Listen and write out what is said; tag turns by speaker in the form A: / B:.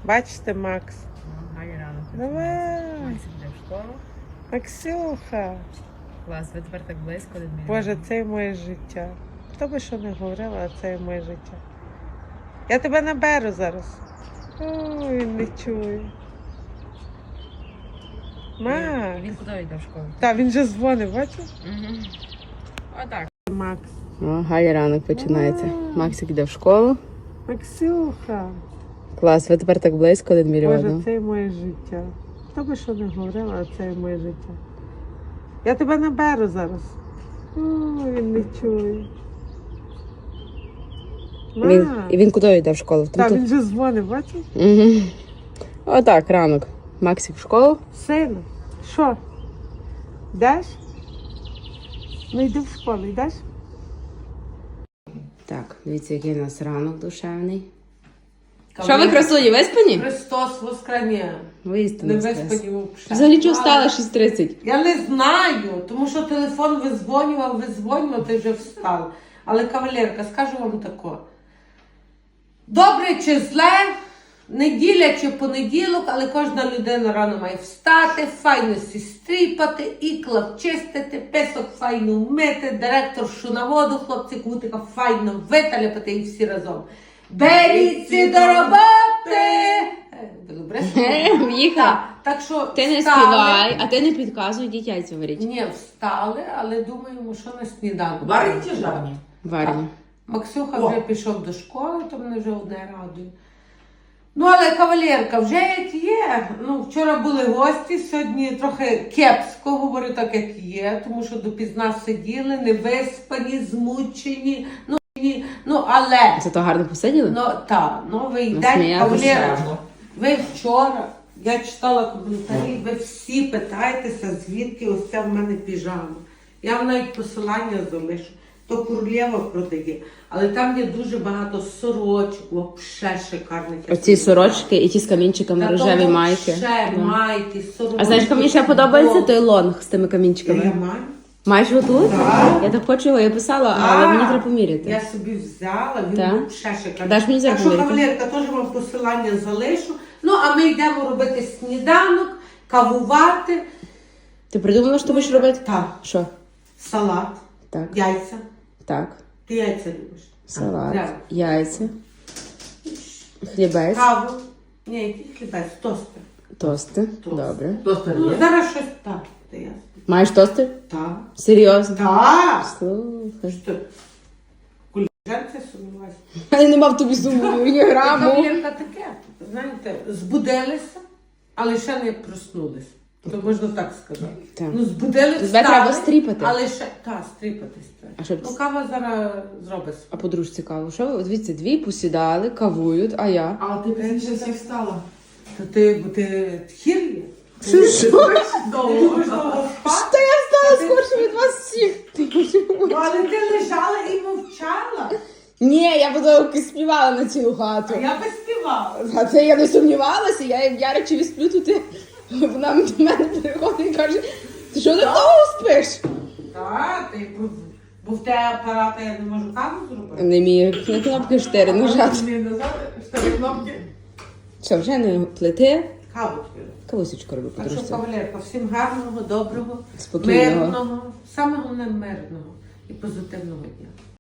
A: Бачите, Макс?
B: Гарний ранок.
A: Давай.
B: Максик йде в школу.
A: Максюха.
B: Клас, ви тепер так близько від мене.
A: Боже, це є моє життя. Хто би що не говорила, а це є моє життя. Я тебе наберу зараз. О, він не чує. Макс.
B: Він куди йде в школу?
A: Так, він же дзвонив, бачиш?
B: Угу. Отак.
A: Макс.
B: О, гарний ранок починається. Максик йде в школу.
A: Максюха.
B: Клас, ви тепер так близько від
A: Боже,
B: мільйону.
A: це є моє життя. Хто би що не говорила, а це є моє життя. Я тебе наберу зараз. О, він не чує.
B: Він куди йде в школу?
A: Так, він же дзвонив, бачиш?
B: Угу. Отак, ранок. Максик в школу.
A: Сину, що? Йдеш? Ну йди в школу, йдеш?
B: Так, дивіться, який у нас ранок душевний. Що ви, красуні, виспані?
A: Христос воскресне.
B: Виспані.
A: Не виспані взагалі.
B: Взагалі, чого встала 6:30?
A: Я не знаю, тому що телефон визвонював, ти вже встала. Але, кавалерка, скажу вам тако. Добре чи зле, неділя чи понеділок, але кожна людина рано має встати, файно стріпати, ікла вчистити, песок файно вмити, директоршу на воду, хлопці кутика файно виталяпати і всі разом. Беріться до роботи! Добре?
B: В'їха.
A: Так що
B: Ти не
A: встали.
B: співай, а ти не підказуй, дітяйця варіть.
A: Ні, встали, але думаємо, що на сніданок.
C: Варені чи жарні?
B: Варені.
A: Максюха вже пішов до школи, то мене вже одне радує. Ну, але кавалерка, вже як є. Ну, вчора були гості, сьогодні трохи кепсько, говорю так, як є, тому що допізна сиділи, невиспані, змучені. Ну, але...
B: Зато гарно посиділи?
A: Ну, так, новий день,
B: Насміялися.
A: кавалерка. Ви вчора, я читала коментарі, ви всі питаєтеся, звідки ось ця в мене піжама. Я вам навіть посилання залишу. То Королєва продає. Але там є дуже багато сорочок, взагалі шикарних.
B: Оці сорочки і ті з камінчиками, рожеві майки.
A: Ще
B: Да.
A: майки, сорочки.
B: А знаєш, що мені ще подобається той лонг з тими камінчиками?
A: Я маю.
B: Маєш його тут?
A: Так.
B: Я так хочу його, я писала, але мені треба поміряти.
A: Я собі взяла, він
B: Так?
A: взагалі шикарний.
B: Даш мені
A: Так
B: зараз
A: що,
B: поміряти?
A: кавалерка, теж вам посилання залишу. Ну, а ми йдемо робити сніданок, кавувати.
B: Ти придумала, що ти будеш робити?
A: Так.
B: Що?
A: Салат,
B: Так,
A: яйця.
B: так.
A: Ти яйця любиш?
B: Салат,
A: Так.
B: яйця, хлібець,
A: Каву. Ні, який хлібець, тостер.
B: тости. Добре.
C: Тостер
A: Ну,
C: є?
A: зараз щось так, то ясно.
B: Маєш тости?
A: Так.
B: Серйозно?
A: Так.
B: Слухай.
A: Що? Куліжанці сумніваюся.
B: Я не мав тобі суму, ні граму.
A: Кавалерка таке, знаєте, збудилися, але ще не проснулися. То можна так сказати.
B: Так.
A: Ну, збудилися,
B: Тебе треба стріпати.
A: але ще, так, стріпатись треба.
B: А що б-
A: Ну, кава зараз зробить.
B: А подружці цікаво, що ви? Дивіться, дві посідали, кавують, а я?
C: А ти пізніше всіх встала.
A: Бо ти тхір є?
B: Що?
C: Довго.
B: Та я встала скорше від вас всіх.
A: Ну, але ти лежала і мовчала.
B: Ні, я потім співала на цілу хату.
A: А я би співала.
B: А це я не сумнівалася, я як Яричеві сплю, то ти вона до мене приходить і каже, ти що ти довго спиш?
A: Так, бо в те апарата я не можу каву зробити.
B: Не міг на кнопки 4 нажати.
C: Мені назад, 4 кнопки.
B: Що, вже не плити?
A: Каву тобі.
B: Кавусечку роби,
A: Так що,
B: подружця.
A: кавалерка, всім гарного, доброго,
B: Спокійного.
A: мирного, саме головне мирного і позитивного дня.